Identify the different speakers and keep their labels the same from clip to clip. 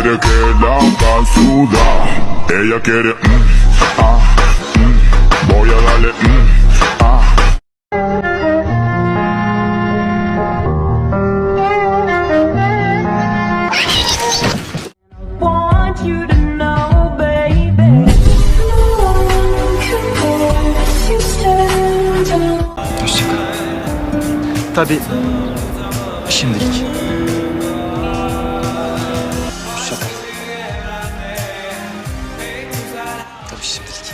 Speaker 1: quiere que la haga sudar. Ella quiere voy a darle
Speaker 2: Want you to know, baby. No one compares. You stand alone.
Speaker 3: Hoşçakal. Tabii şimdilik. Hoşçakal. Tabii şimdilik.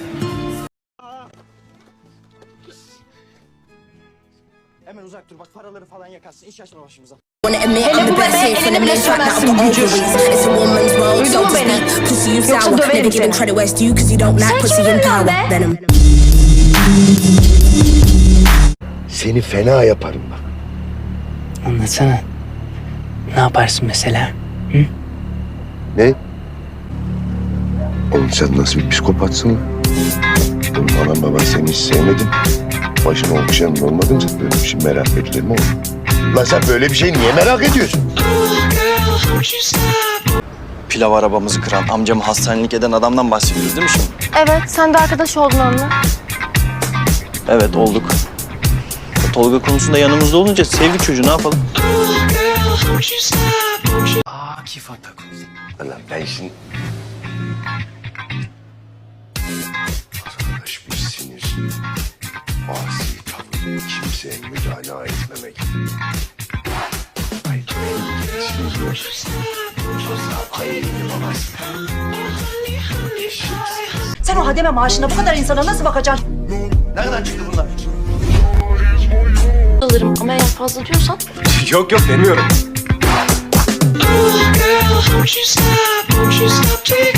Speaker 4: Hemen uzak dur bak, paraları falan yakarsın, iş açma başımıza.
Speaker 5: Hele bu bebeğe eline bile süremezsin gücür. Duydun mu beni? Yoksa döverim seni. Sen kimsin be?
Speaker 6: Seni fena yaparım bak.
Speaker 3: Anlatsana. Ne yaparsın mesela?
Speaker 6: Ne? Oğlum sen nasıl bir psikopatsın lan? Oğlum anam baban seni hiç sevmedim. Başına okşayan olmadın mı? Böyle bir şey merak edilir mi oğlum? Lan sen böyle bir şey niye merak ediyorsun?
Speaker 7: Pilav arabamızı kıran, amcamı hastanelik eden adamdan bahsediyoruz değil mi şimdi?
Speaker 8: Evet, sen de arkadaş oldun onunla.
Speaker 7: Evet, olduk. Tolga konusunda yanımızda olunca sevdik çocuğu, ne yapalım?
Speaker 3: Akif Atakul.
Speaker 6: Lan ben şimdi... Arkadaş bir sinir. Asi tavır. Kimseye müdahale etmemek. Ay ben
Speaker 9: Sen o hademe maaşına bu kadar insana nasıl bakacaksın?
Speaker 4: Nereden çıktı bunlar?
Speaker 8: Alırım ama eğer fazla diyorsan.
Speaker 4: Yok demiyorum.
Speaker 2: Won't you stop, take